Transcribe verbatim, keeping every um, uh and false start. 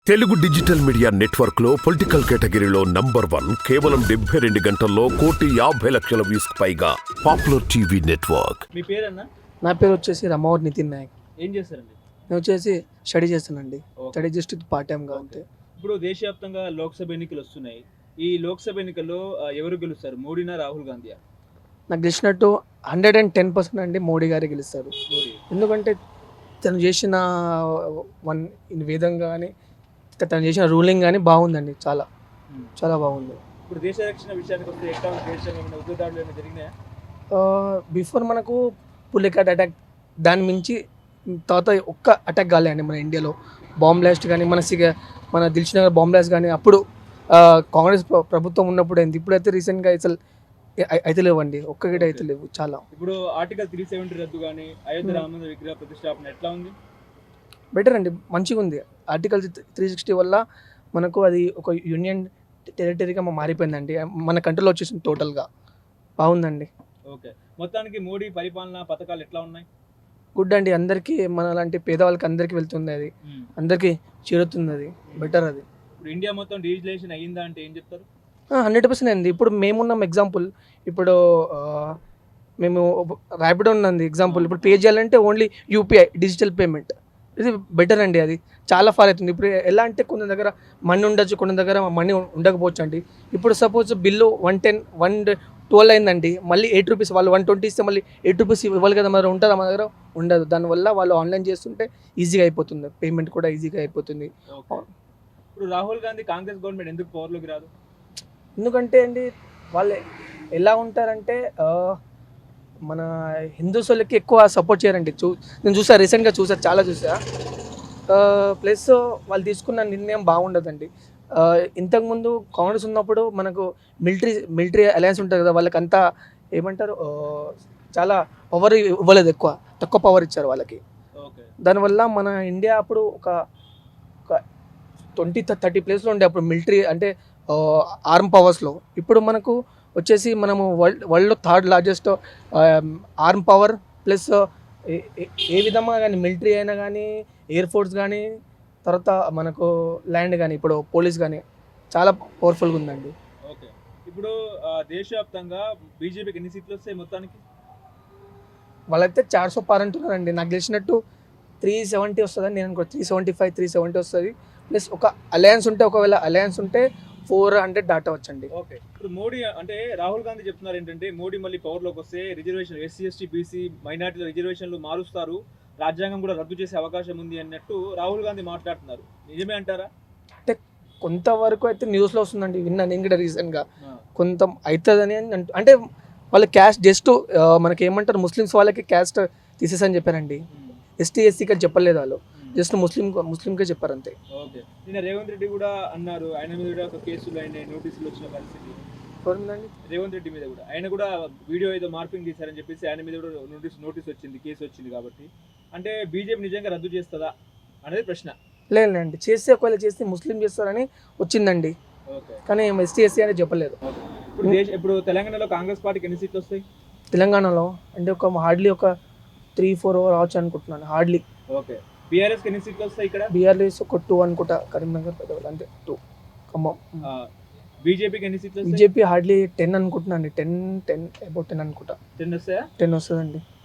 Telugu digital media network లో political కేటగిరీలో number one కేవలం డెబ్బై రెండు గంటల్లో కోటి యాభై లక్షల వ్యూస్ పైగా పాపులర్ టీవీ నెట్వర్క్. మీ పేరన్నా? నా పేరు వచ్చేసి రమావర్ నితిన్ నాయక్. ఏం చేస్తారండి? నేను వచ్చేసి స్టడీ చేస్తానండి. స్టడీ జస్ట్ పార్ట్ టైంగా అంతే. ఇప్పుడు దేశవ్యాప్తంగా లోక్సభ ఎన్నికలు వస్తున్నాయి. ఈ లోక్సభ ఎన్నికల్లో ఆ, ఎవరు గెలుస్తారు, మోడీనా రాహుల్ గాంధీయా? నాకు తెలిసినట్టు హండ్రెడ్ అండ్ టెన్ పర్సెంట్ అండి మోడీ గారే గెలుస్తారు. మోడీ. ఎందుకంటే తను చేసిన వన్ విధం కానీ తను చేసిన రూలింగ్ కానీ బాగుందండి. చాలా ఉమ్. చాలా బాగుంది. ఇప్పుడు దేశ రక్షణ విషయానికి వస్తే ఎట్లా ఉంది? దేశంలో ఏమైనా ఉగ్రదాడులు ఏమైనా జరిగినాయా? బిఫోర్ మనకు పులికాట్ అటాక్, దాని మించి తర్వాత ఒక్క అటాక్ కాలేదండి మన ఇండియాలో. బాంబ్ బ్లాస్ట్ కానీ మన సిగ మన దిల్షుక్ నగర్ బాంబ్ బ్లాస్ట్ కానీ అప్పుడు ఆ, కాంగ్రెస్ ప్ర- ప్రభుత్వం ఉన్నప్పుడు అయింది. ఇప్పుడైతే రీసెంట్గా అసలు అయి- అయితే లేవండి, ఒక్కగిట అయితే లేవు. చాలా ఇప్పుడు ఆర్టికల్ త్రీ సెవెంటీ రద్దు కానీ అయోధ్య రామ మందిర విగ్రహ ప్రతిష్టాపన ఎట్లా ఉంది? బెటర్ అండి, మంచిగా ఉంది. ఆర్టికల్ త్రీ సిక్స్టీ వల్ల మనకు అది ఒక యూనియన్ టెరిటరీగా మారిపోయిందండి. మన కంట్రోల్లో వచ్చేసింది టోటల్గా. బాగుందండి. ఓకే, మొత్తానికి మోడీ పరిపాలన పథకాలు ఎట్లా ఉన్నాయి? గుడ్ అండి. అందరికీ మన లాంటి పేదవాళ్ళకి అందరికీ వెళ్తుంది, అది ఉమ్. అందరికీ చేరుతుంది, అది బెటర్. అది ఇప్పుడు ఇండియా మొత్తం డిజిటలైజేషన్ అయ్యిందా అంటే ఏం చెప్తారు? హండ్రెడ్ పర్సెంట్ అయింది. ఇప్పుడు మేమున్నాం ఎగ్జాంపుల్, ఇప్పుడు ఆ, మేము ర్యాపిడో ఉన్నది ఎగ్జాంపుల్. ఇప్పుడు పే చేయాలంటే ఓన్లీ యూపీఐ డిజిటల్ పేమెంట్, ఇది బెటర్ అండి. అది చాలా ఫార్ అవుతుంది. ఇప్పుడు ఎలా అంటే కొన్ని దగ్గర మనీ ఉండొచ్చు, కొన్ని దగ్గర మనీ ఉండకపోవచ్చు అండి. ఇప్పుడు suppose bill one ten one twelve అయిందండి, మళ్ళీ ఎయిట్ రూపీస్ వాళ్ళు వన్ ట్వంటీ ఇస్తే మళ్ళీ ఎయిట్ రూపీస్ ఇవ్వాలి కదా, మరి ఉంటుందా మన దగ్గర? ఉండదు. దానివల్ల వాళ్ళు ఆన్లైన్ చేస్తుంటే ఈజీగా అయిపోతుంది, పేమెంట్ కూడా ఈజీగా అయిపోతుంది. ఓకే. ఇప్పుడు రాహుల్ గాంధీ కాంగ్రెస్ గవర్నమెంట్ ఎందుకు పవర్లోకి రాదు? ఎందుకంటే అండి వాళ్ళు ఎలా ఉంటారంటే ఆ, మన హిందూస్ వాళ్ళకి ఎక్కువ సపోర్ట్ చేయరండి. చూ నేను చూసా, రీసెంట్గా చూసా, చాలా చూసా. ప్లస్ వాళ్ళు తీసుకున్న నిర్ణయం బాగుండదండి. ఆ, ఇంతకుముందు కాంగ్రెస్ ఉన్నప్పుడు మనకు మిలిటరీ మిలిటరీ అలయన్స్ ఉంటుంది కదా, వాళ్ళకి అంతా ఏమంటారు ఆ, చాలా పవర్ ఇవ్వలేదు, ఎక్కువ తక్కువ పవర్ ఇచ్చారు వాళ్ళకి. ఓకే. దానివల్ల మన ఇండియా అప్పుడు ఒక ఒక ట్వంటీ థర్టీ ప్లేస్లో ఉండే అప్పుడు మిలిటరీ అంటే ఆర్మ్ పవర్స్లో. ఇప్పుడు మనకు వచ్చేసి మనము వరల్డ్ వరల్డ్లో third largest arm power. Plus ఏ విధంగా కానీ మిలిటరీ అయినా కానీ, ఎయిర్ ఫోర్స్ కానీ, తర్వాత మనకు ల్యాండ్ కానీ, ఇప్పుడు పోలీస్ కానీ చాలా పవర్ఫుల్గా ఉందండి. ఓకే. ఇప్పుడు ఆ, దేశవ్యాప్తంగా బీజేపీకి ఎన్ని సీట్లు వస్తాయి మొత్తానికి? వాళ్ళైతే చార్ సో పార్ అంటున్నారండి. నాకు తెలిసినట్టు త్రీ సెవెంటీ వస్తుందని నేను అనుకో, three seventy five three seventy వస్తుంది. ప్లస్ ఒక అలయన్స్ ఉంటే, ఒకవేళ అలయన్స్ ఉంటే ఫోర్ హండ్రెడ్ దాటవచ్చండి. ఓకే. ఇప్పుడు మోడీ అంటే రాహుల్ గాంధీ చెప్తున్నారు ఏంటంటే మోడీ మళ్ళీ పవర్లోకి వస్తే రిజర్వేషన్ ఎస్సీ ఎస్టీ బీసీ మైనార్టీల రిజర్వేషన్లు మారుస్తారు, రాజ్యాంగం కూడా రద్దు చేసే అవకాశం ఉంది అన్నట్టు రాహుల్ గాంధీ మాట్లాడుతున్నారు. నిజమే అంటారా? అంటే కొంతవరకు అయితే న్యూస్లో వస్తుందండి, విన్నా నేను కూడా రీసెంట్గా. ఆ. కొంత అవుతుందని అంటూ, అంటే వాళ్ళ క్యాస్ట్ జస్ట్ మనకి ఏమంటారు, ముస్లిమ్స్ వాళ్ళకి క్యాస్ట్ తీసేసని చెప్పారండి. ఉమ్. ఎస్టీ ఎస్సీకి అని చెప్పలేదు వాళ్ళు, ఉమ్. జస్ట్ ముస్లిం ముస్లింకే చెప్పారు అంతే. ఓకే. నిన్న రేవంత్ రెడ్డి కూడా అన్నారు, ఆయన మీద కూడా ఒక కేసులు అయిన నోటీసులు వచ్చిన పరిస్థితి. చూడండి, రేవంత్ రెడ్డి మీద కూడా ఆయన కూడా వీడియో ఏదో మార్పింగ్ తీశారని చెప్పేసి ఆయన మీద కూడా నోటీస్ నోటీస్ వచ్చింది, కేసు వచ్చింది. కాబట్టి అంటే బీజేపీ నిజంగా రద్దు చేస్తుందా అనేది ప్రశ్న. లేదండి, చేస్తే ఒకవేళ చేస్తే ముస్లిం చేస్తారని వచ్చిందండి, ఓకే. కానీ ఎస్టీ ఎస్సీ అని చెప్పలేదు. ఓకే. ఇప్పుడు దేశ ఇప్పుడు తెలంగాణలో కాంగ్రెస్ పార్టీకి ఎన్ని సీట్లు వస్తాయి? తెలంగాణలో అంటే ఒక హార్డ్లీ ఒక త్రీ ఫోర్ రావచ్చు అనుకుంటున్నాను, హార్డ్లీ. ఓకే. బీఆర్ఎస్కి ఎన్ని సీట్లు వస్తాయి ఇక్కడ? బీఆర్ఎస్ ఒక టూ అనుకుంటా, కరీంనగర్ పెద్దవాళ్ళు అంతే, టూ. ఖమ్మం. ఆ, బీజేపీకి ఎన్ని సీట్లు వస్తాయి? బీజేపీ హార్డ్లీ టెన్ అనుకుంటున్నాను, టెన్ టెన్ అబౌట్ టెన్ అనుకుంటా, టెన్ వస్తాయా? టెన్ వస్తుందండి.